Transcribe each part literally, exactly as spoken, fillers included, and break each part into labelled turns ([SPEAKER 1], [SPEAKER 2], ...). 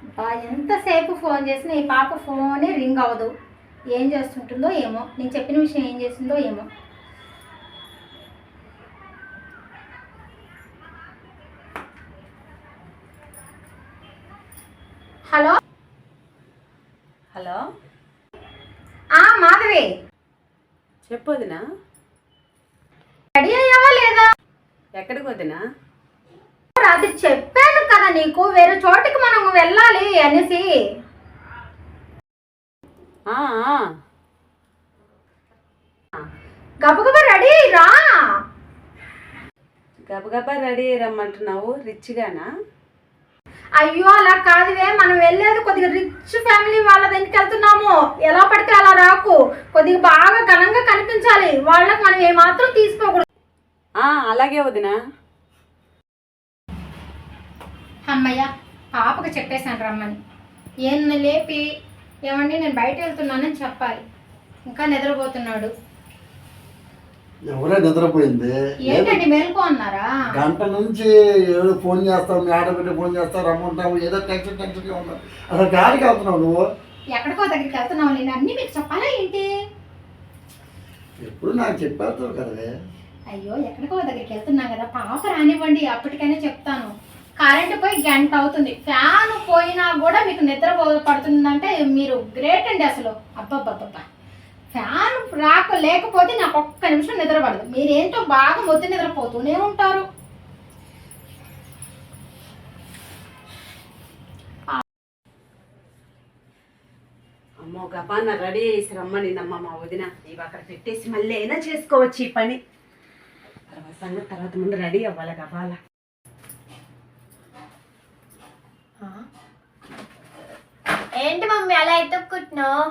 [SPEAKER 1] ఎంతసేపు ఫోన్ చేసినా ఈ పాప ఫోనే రింగ్ అవ్వదు. ఏం చేస్తుంటుందో ఏమో, నేను చెప్పిన విషయం ఏం చేస్తుందో ఏమో. హలో
[SPEAKER 2] హలో
[SPEAKER 1] మాధవి,
[SPEAKER 2] చెప్పు వదినా.
[SPEAKER 1] రెడీ అయ్యావా లేదా?
[SPEAKER 2] ఎక్కడికి వదినా?
[SPEAKER 1] అది చెప్పాను కదా నీకు, వేరే చోటికి మనం వెళ్ళాలి అనేసి. గబగబా రెడీ రా.
[SPEAKER 2] గబగబా రెడీ రమ్మంటున్నావు? రిచ్గానా?
[SPEAKER 1] అయ్యో అలా కాదువే, మనం వెళ్ళేది కొద్దిగా రిచ్ ఫ్యామిలీ వాళ్ళ దగ్గరికి వెళ్తున్నాము. ఎలా పడితే అలా రాకు, కొద్దిగా బాగా ఘనంగా కనిపించాలి. వాళ్ళకి మనం ఏమాత్రం తీసుకోకూడదు.
[SPEAKER 2] అలాగే వదినా.
[SPEAKER 1] అమ్మయ్య, పాపకు చెప్పేశాను రమ్మని. ఏం లేపి ఏమండి నేను బయట వెళ్తున్నానని చెప్పాలి. ఇంకా నిద్రపోతున్నాడు.
[SPEAKER 3] ఎవరే నిద్రపోయింది?
[SPEAKER 1] ఏంటండి మేలుకో అన్నారా?
[SPEAKER 3] గంట నుంచి ఏదో ఫోన్ చేస్తావు, మీ ఆడబిడ్డ ఫోన్ చేస్తావు, రమ్మంటావు, ఏదో టెన్షన్ టెన్షన్గా ఉన్నావు. అసలు గాడికి వెళ్తున్నావు నువ్వు?
[SPEAKER 1] ఎక్కడికో దగ్గరికి వెళ్తున్నావు. నేను అన్నీ మీకు చెప్పాలా ఏంటి?
[SPEAKER 3] ఎప్పుడు నాకు చెప్పేస్తావు కదే.
[SPEAKER 1] అయ్యో ఎక్కడికో దగ్గరికి వెళ్తున్నా కదా, పాప రానివ్వండి, అప్పటికైనా చెప్తాను. కరెంట్ పోయి గంట అవుతుంది, ఫ్యాన్ పోయినా కూడా మీకు నిద్ర పడుతుందంటే మీరు గ్రేట్ అండి అసలు. అబ్బబ్బబ్బబ్బా, ఫ్యాన్ రాక లేకపోతే నాకు ఒక్క నిమిషం నిద్ర పడదు. మీరేంటో బాగా మొద్దు నిద్రపోతూనే ఉంటారు.
[SPEAKER 2] అమ్మో గబాన రెడీ చేసి రమ్మనిందమ్మ మా వదిన. ఇవి అక్కడ పెట్టేసి మళ్ళీ అయినా చేసుకోవచ్చు ఈ పని. తర్వాత సంగతి తర్వాత, ముందు రెడీ అవ్వాలి గబాల.
[SPEAKER 4] ఏంటి మమ్మీ అలా ఎత్తుక్కుంటున్నావు?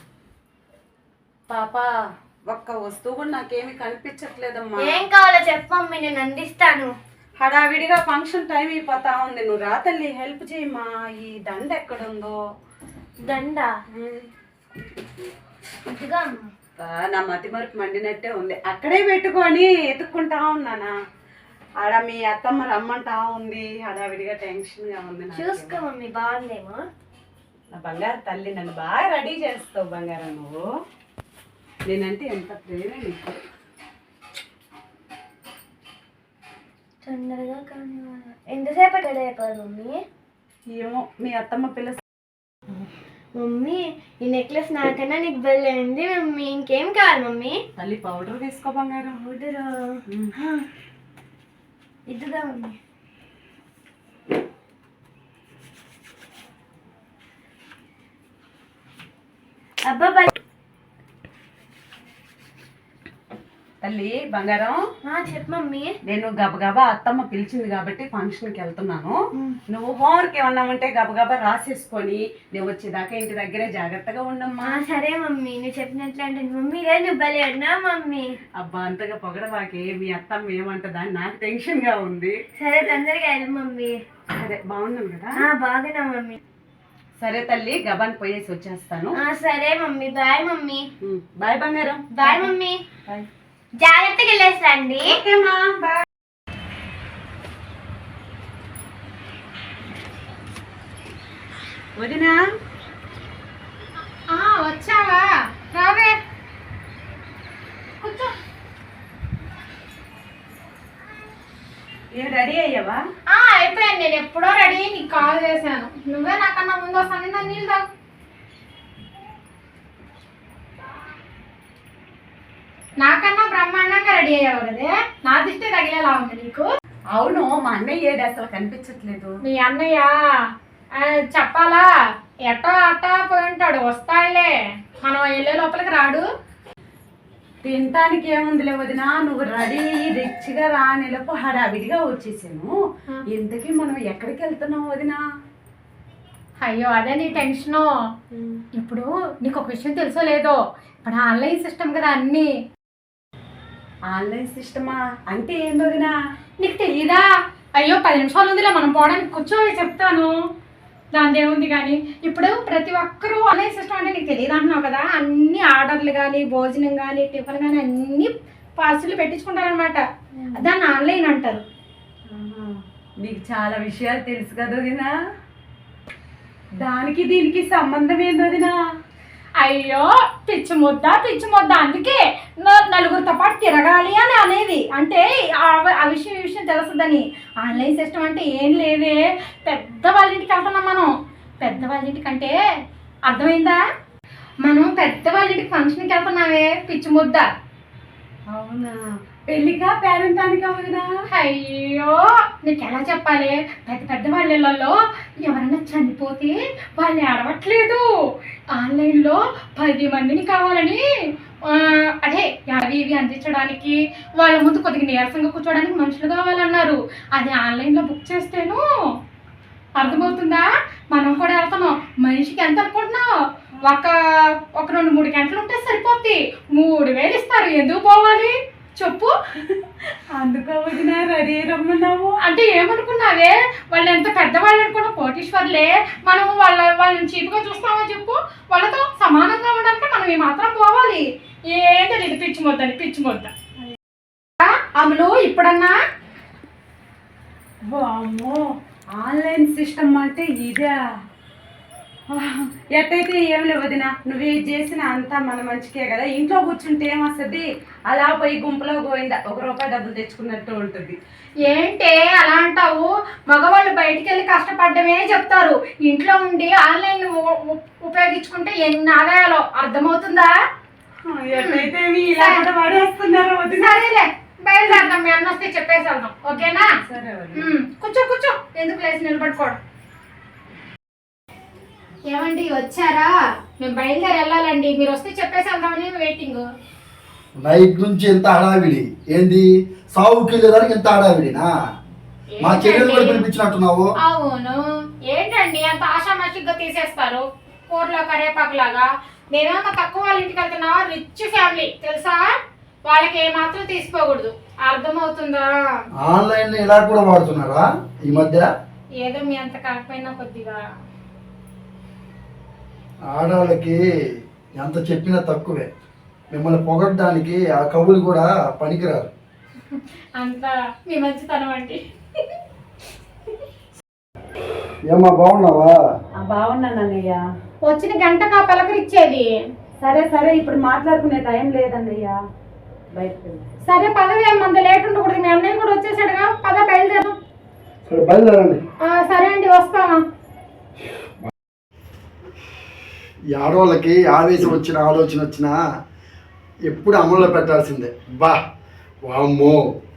[SPEAKER 2] పాప ఒక్క వస్తువు కూడా నాకేమి కనిపించట్లేదమ్మా.
[SPEAKER 4] ఏం కావాలో చెప్పు మమ్మీ, నేను అందిస్తాను.
[SPEAKER 2] హడావిడిగా ఫంక్షన్ టైం అయిపోతా ఉంది. నువ్వు రా తల్లి, హెల్ప్ చేయమ్మా. ఈ దండ ఎక్కడుందో?
[SPEAKER 4] దండ ఇదిగా
[SPEAKER 2] నా మతి మరుపు మండినట్టే ఉంది. అక్కడే పెట్టుకొని ఎత్తుక్కుంటా ఉన్నానా. ఆడ మీ అత్తమ్మ రమ్మంటా ఉంది. హడావిడిగా టెన్షన్ గా ఉంది.
[SPEAKER 4] చూసుకో మమ్మీ, బాగుందేమో.
[SPEAKER 2] నా బంగారు తల్లి, నన్ను బాగా రెడీ చేస్తావు బంగారం. నువ్వు నేనంటే ఎంత ప్రేమ నీకు.
[SPEAKER 4] తొందరగా కానీ ఎంతసేపు రెడీ అయిపోదు మమ్మీ?
[SPEAKER 2] ఏమో మీ అత్తమ్మ పిల్ల.
[SPEAKER 4] మమ్మీ ఈ నెక్లెస్ నాకన్నా నీకు బెల్లైంది మమ్మీ. ఇంకేం కావాలి మమ్మీ?
[SPEAKER 2] తల్లి పౌడర్ తీసుకో బంగారం.
[SPEAKER 4] పౌడరా? ఇదిగా మమ్మీ. అబ్బా
[SPEAKER 2] తల్లి బంగారం,
[SPEAKER 4] చెప్పు మమ్మీ.
[SPEAKER 2] నేను గబగబా అత్తమ్మ పిలిచింది కాబట్టి ఫంక్షన్కి వెళ్తున్నాను. నువ్వు హోంవర్క్ ఏమన్నా ఉంటే గబగబా రాసేసుకొని నేను వచ్చేదాకా ఇంటి దగ్గరే జాగ్రత్తగా ఉండమ్మా.
[SPEAKER 4] సరే మమ్మీ, నువ్వు చెప్పినట్లు అంటే. మమ్మీ రేపు భలే అన్నా మమ్మీ.
[SPEAKER 2] అబ్బా అంతగా పొగడవాకే, మీ అత్తమ్మ ఏమంటదా నాకు టెన్షన్ గా ఉంది.
[SPEAKER 4] సరే తొందరగా వెళ్ళు మమ్మీ.
[SPEAKER 2] సరే బాగున్నాను కదా?
[SPEAKER 4] బాగున్నా మమ్మీ.
[SPEAKER 2] సరే తల్లి, గబాన్ పోయేసి వచ్చేస్తాను.
[SPEAKER 4] సరే మమ్మీ, బాయ్ మమ్మీ.
[SPEAKER 2] బాయ్ బంగారం.
[SPEAKER 4] Bye mummy.
[SPEAKER 2] బాయ్.
[SPEAKER 4] జాగ్రత్తగా వెళ్ళేసి రండి.
[SPEAKER 2] వదినా
[SPEAKER 1] వచ్చావా? రావే కూర్చో.
[SPEAKER 2] ఏ రెడీ అయ్యావా?
[SPEAKER 1] అయిపోయాను, నేను ఎప్పుడో రెడీ అయ్యి నీకు కాల్ చేశాను. నువ్వే నాకన్నా ముందు వస్తాను. దాన్ని నీళ్ళు తాగు. నాకన్నా బ్రహ్మాండంగా రెడీ అయ్యావు కదే, నా దిష్టే తగిలేలా ఉంది నీకు.
[SPEAKER 2] అవును, మా అన్నయ్య ఏడు అసలు కనిపించట్లేదు.
[SPEAKER 1] మీ అన్నయ్య చెప్పాలా, ఎట్టో అట్టా పోయి ఉంటాడు. వస్తాడులే, మనం వెళ్ళే లోపలికి రాడు.
[SPEAKER 2] తినటానికి ఏముందిలే వదినా, నువ్వు రెడీ రిచ్గా రా నెలపు హడావిడిగా వచ్చేసాను. ఇంతకీ మనం ఎక్కడికి వెళ్తున్నావు వదినా?
[SPEAKER 1] అయ్యో అదే నీ టెన్షను. ఇప్పుడు నీకు ఒక విషయం తెలుసో లేదో, ఇప్పుడు ఆన్లైన్ సిస్టమ్ కదా అన్నీ.
[SPEAKER 2] ఆన్లైన్ సిస్టమా అంటే ఏం వదినా?
[SPEAKER 1] నీకు తెలీదా? అయ్యో పది నిమిషాలు ఉందిలే, మనం పోవడానికి కూర్చోవి చెప్తాను. దాని ఏముంది కానీ, ఇప్పుడు ప్రతి ఒక్కరూ ఆన్లైన్ సిస్టమ్ అంటే నీకు తెలియదు అంటున్నావు కదా. అన్ని ఆర్డర్లు కానీ, భోజనం కానీ, టిఫిన్ కానీ అన్ని పార్సిల్ పెట్టించుకుంటారనమాట. దాన్ని ఆన్లైన్ అంటారు.
[SPEAKER 2] నీకు చాలా విషయాలు తెలుసు కదా వదినా. దానికి దీనికి సంబంధం ఏంది వదినా?
[SPEAKER 1] అయ్యో పిచ్చి ముద్ద పిచ్చి ముద్ద అందుకే న- నలుగురితో పాటు తిరగాలి అని అనేది అంటే ఆ ఆ విషయం ఈ విషయం తెలుస్తుందని. ఆన్లైన్ సిస్టమ్ అంటే ఏం లేదే, పెద్ద వాళ్ళ ఇంటికి వెళ్తున్నాం మనం. పెద్ద వాళ్ళ ఇంటికి అంటే అర్థమైందా? మనం పెద్ద వాళ్ళ ఇంటికి ఫంక్షన్కి వెళ్తున్నామే పిచ్చి ముద్ద.
[SPEAKER 2] అవునా? పెళ్ళికా పేరెంటానికా వదినా?
[SPEAKER 1] అయ్యో నీకు ఎలా చెప్పాలి, పెద్ద పెద్ద వాళ్ళ ఇళ్ళల్లో ఎవరైనా చనిపోతే వాళ్ళు ఏడవట్లేదు, ఆన్లైన్లో పది మందిని కావాలని ఆ, అదే అవి ఇవి అందించడానికి వాళ్ళ ముందు కొద్దిగా నీరసంగా కూర్చోడానికి మనుషులు కావాలన్నారు. అది ఆన్లైన్లో బుక్ చేస్తేను. అర్థమవుతుందా? మనం కూడా వెళ్తున్నాం. మనిషికి ఎంత అనుకుంటున్నావు? ఒక ఒక రెండు మూడు గంటలు ఉంటే సరిపోద్ది, మూడు వేలు ఇస్తారు. ఎందుకు పోవాలి చెప్పు?
[SPEAKER 2] అందుకో వదినా రెడీ రమ్మన్నావు.
[SPEAKER 1] అంటే ఏమనుకున్నావే, వాళ్ళు ఎంత పెద్దవాళ్ళు అనుకున్నా కోటీశ్వర్లే, మనం వాళ్ళ వాళ్ళని చీపుగా చూస్తామో చెప్పు? వాళ్ళతో సమానంగా ఉండాలంటే మనం ఈ మాత్రం పోవాలి. ఏంటో ఇది పిచ్చి మొద్దని పిచ్చి మొద్ద. అమలు ఇప్పుడన్నా
[SPEAKER 2] అమ్మో ఆన్లైన్ సిస్టమ్ అంటే ఇదా? ఎట్టయితే ఏం లేవు వదినా, నువ్వు చేసిన అంతా మన మంచికే కదా. ఇంట్లో కూర్చుంటే ఏమొస్తుంది, అలా పోయి గుంపులో పోయిందా ఒక రూపాయి డబ్బులు తెచ్చుకున్నట్టు ఉంటుంది.
[SPEAKER 1] ఏంటే అలా అంటావు? మగవాళ్ళు బయటికి వెళ్ళి కష్టపడ్డమే చెప్తారు, ఇంట్లో ఉండి ఆన్లైన్ ఉ- ఉ- ఉపయోగించుకుంటే ఎన్ని ఆదాయాలో. అర్థమవుతుందా?
[SPEAKER 2] ఎట్టయితే మీ ఇలా కూడా వాడేస్తున్నారు వదినా.
[SPEAKER 1] సరేలే బయలుదేరదాం, మీ అన్న వస్తే చెప్పేసి వెళ్దాం. ఓకేనా?
[SPEAKER 2] సరే వదినా.
[SPEAKER 1] ఉమ్, కూర్చో కూర్చో, ఎందుకు లేచి నిలబడుకోవడం. ఏమండి వచ్చారా? మేము బయలుదేరి వెళ్ళాలండి, మీరు వస్తే చెప్పేసి వెళ్దామని వెయిటింగ్.
[SPEAKER 3] నైట్ నుంచి ఎంత హడావిడి ఏంది, సావుకి వెళ్ళేదానికి ఎంత హడావిడినా? మా చెల్లెలు కూడా పిలిపించినట్టున్నావు.
[SPEAKER 1] అవును, ఏంటండి అంత ఆషామాషిగా తీసేస్తారు కూరలో కరేపాకులాగా? నేనేమన్నా తక్కువ వాళ్ళ ఇంటికి వెళ్తున్నావా? రిచ్ ఫ్యామిలీ తెలుసా, వాళ్ళకి ఏ మాత్రం తీసుకోకూడదు. అర్థమవుతుందా?
[SPEAKER 3] ఆన్లైన్ ఇలా కూడా వాడుతున్నారా ఈ మధ్య?
[SPEAKER 1] ఏదో మీ అంత కాకపోయినా కొద్దిగా.
[SPEAKER 3] ఆడవాళ్ళకి ఎంత చెప్పినా తక్కువే. మిమ్మల్ని పొగడ్డానికి ఆ కవులు కూడా పనికిరారు.
[SPEAKER 1] అంత మీ మంచితనం అండి.
[SPEAKER 3] ఏమ్మా బాగున్నావా?
[SPEAKER 2] ఆ, బాగున్నాను అన్నయ్య.
[SPEAKER 1] వచ్చిన గంట కా పలకరిచ్చేది.
[SPEAKER 2] సరే సరే ఇప్పుడు మాట్లాడుకునే టైం లేదన్నయ్య, బయటకు వెళ్ళు.
[SPEAKER 1] సరే పదవి అంత లేట్ ఉండకూడదు, మీ అన్నయ్య కూడా వచ్చేసాడుగా, పద బయలుదేరు.
[SPEAKER 3] సరే బయలుదేరండి.
[SPEAKER 1] సరే అండి వస్తాను.
[SPEAKER 3] ఈ ఆడవాళ్ళకి ఆవేశం వచ్చిన ఆలోచన వచ్చినా ఎప్పుడు అమల్లో పెట్టాల్సిందే. బా వామ్మో